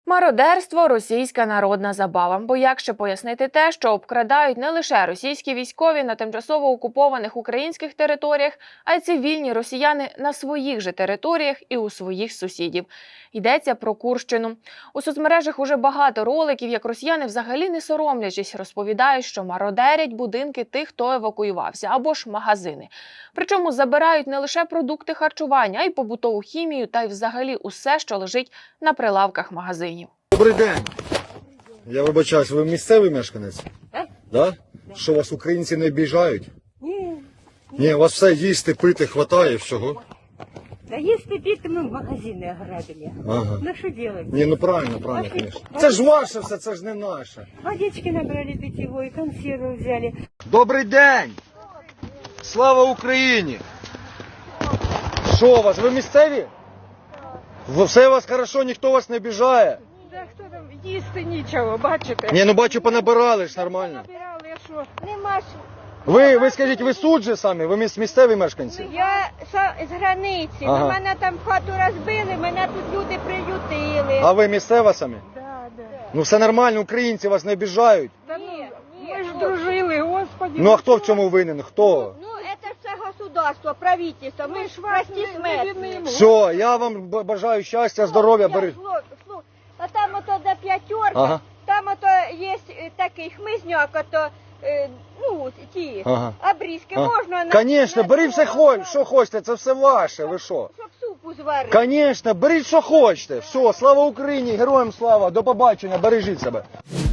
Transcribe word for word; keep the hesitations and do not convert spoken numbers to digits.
Мародерство – російська народна забава. Бо як ще пояснити те, що обкрадають не лише російські військові на тимчасово окупованих українських територіях, а й цивільні росіяни на своїх же територіях і у своїх сусідів. Йдеться про Курщину. У соцмережах уже багато роликів, як росіяни взагалі не соромлячись розповідають, що мародерять будинки тих, хто евакуювався, або ж магазини. Причому забирають не лише продукти харчування, а й побутову хімію та й взагалі усе, що лежить на прилавках магазинів. Добрий день. Я вибачаюсь, ви місцевий мешканець? Так. Да? Що, вас українці не обіжають? Ні. Ні, у вас все їсти, пити, хватає всього. Да если пить, мы магазины ограбили. Ага. Ну что делать? Ні, ну правильно, правильно, звісно. Це ж ваше все, це ж не наше. Водички набрали питьевой, консервы взяли. Добрий день! Слава Україні! Що у вас, ви місцеві? Ви- Все у вас хорошо, ніхто вас не обіжає? Да хто там, їсти нічого, бачите? Ні, ну бачу, понабирали ж нормально. Набирали, а що? Нема що. Ви, ви скажіть, ви суд же самі? Ви міс- місцеві мешканці? Я са- з границі, Ага. мене там хату розбили, мене тут люди приютили. А ви місцева самі? Да, да. Ну все нормально, українці вас не обіжають. Та ну, ми ж дружили, господи. Ну а хто в цьому винен? Хто? Ну, это же все государство, правительство. Мы ж прости смертные. Все, я вам б- бажаю щастя, здоров'я, бери. А там ото до п'ятерки, Ага. там ото є е, такий хмизняк, ото, е, ну, ті, Ага. обрізки А. можна на... Конечно, на беріть все, цьому, хо- що хочете, це все ваше, ви що? Щоб супу зварити. Конечно, беріть що хочете. Все, слава Україні, героям слава, до побачення, бережіть себе.